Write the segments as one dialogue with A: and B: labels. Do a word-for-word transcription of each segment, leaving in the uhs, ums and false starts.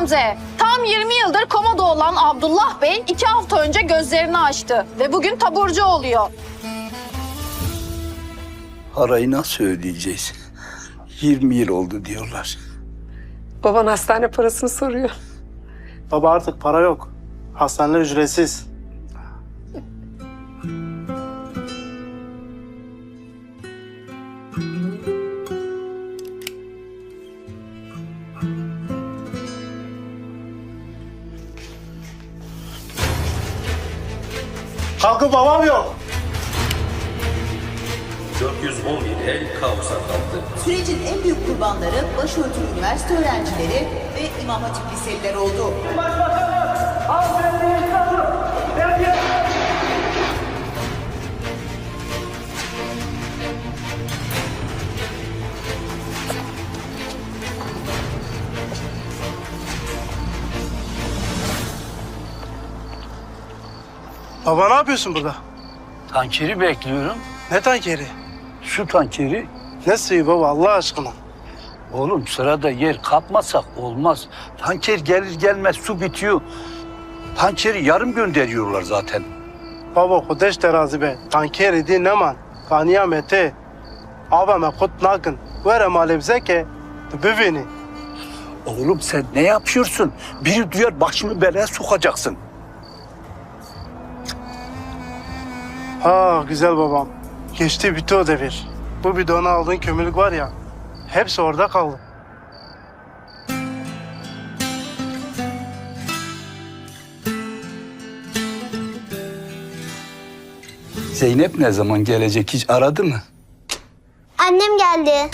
A: Gamze. Tam yirmi yıldır komada olan Abdullah Bey iki hafta önce gözlerini açtı ve bugün taburcu oluyor.
B: Parayı nasıl ödeyeceğiz? yirmi yıl oldu diyorlar.
C: Baban hastane parasını soruyor.
D: Baba artık para yok. Hastaneler ücretsiz. Kalkın babam yok.
E: dört yüz on bir el kaosa kalktı.
F: Sürecin en büyük kurbanları başörtülü üniversite öğrencileri ve İmam Hatip liseliler oldu.
D: Baba ne yapıyorsun burada?
B: Tankeri bekliyorum.
D: Ne tankeri?
B: Su tankeri.
D: Ne suyu baba Allah aşkına?
B: Oğlum sırada yer kapmasak olmaz. Tanker gelir gelmez su bitiyor. Tankeri yarım gönderiyorlar zaten.
D: Baba kudeş terazi be. Tankeri di neman. Kaniyamete. Abame kut nakın. Vere malebzeke. Büveni.
B: Oğlum sen ne yapıyorsun? Biri duyar başımı belaya sokacaksın.
D: Ha güzel babam. Geçti bitti o devir. Bu bidona aldığın kömürlük var ya. Hepsi orada kaldı.
B: Zeynep ne zaman gelecek hiç aradı mı?
G: Annem geldi.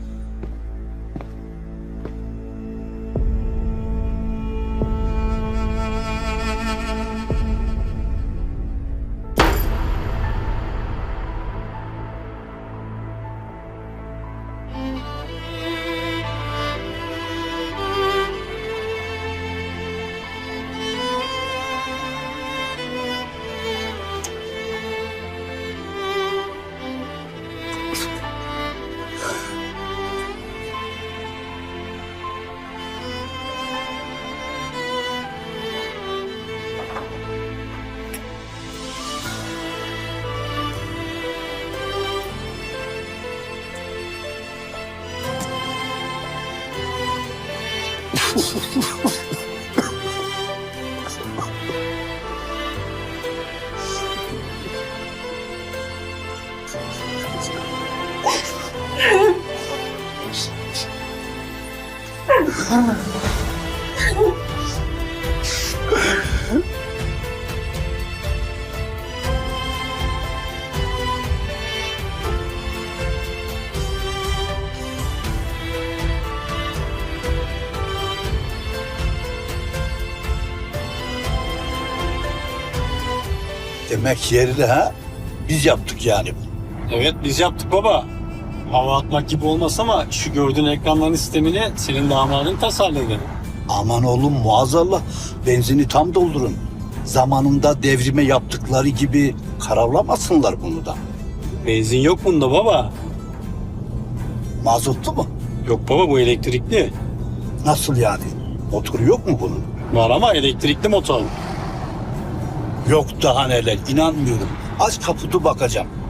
B: Demek yerli ha? Biz yaptık yani.
H: Evet biz yaptık baba. Hava atmak gibi olmaz ama şu gördüğün ekranların sistemini senin damadın tasarladı.
B: Aman oğlum muazzallah. Benzini tam doldurun. Zamanında devrime yaptıkları gibi karavlamasınlar bunu da.
H: Benzin yok bunda baba.
B: Mazotlu mu?
H: Yok baba bu elektrikli.
B: Nasıl yani? Motoru yok mu bunun?
H: Var ama elektrikli motor.
B: Yok daha neler, inanmıyorum. Aç kaputu bakacağım.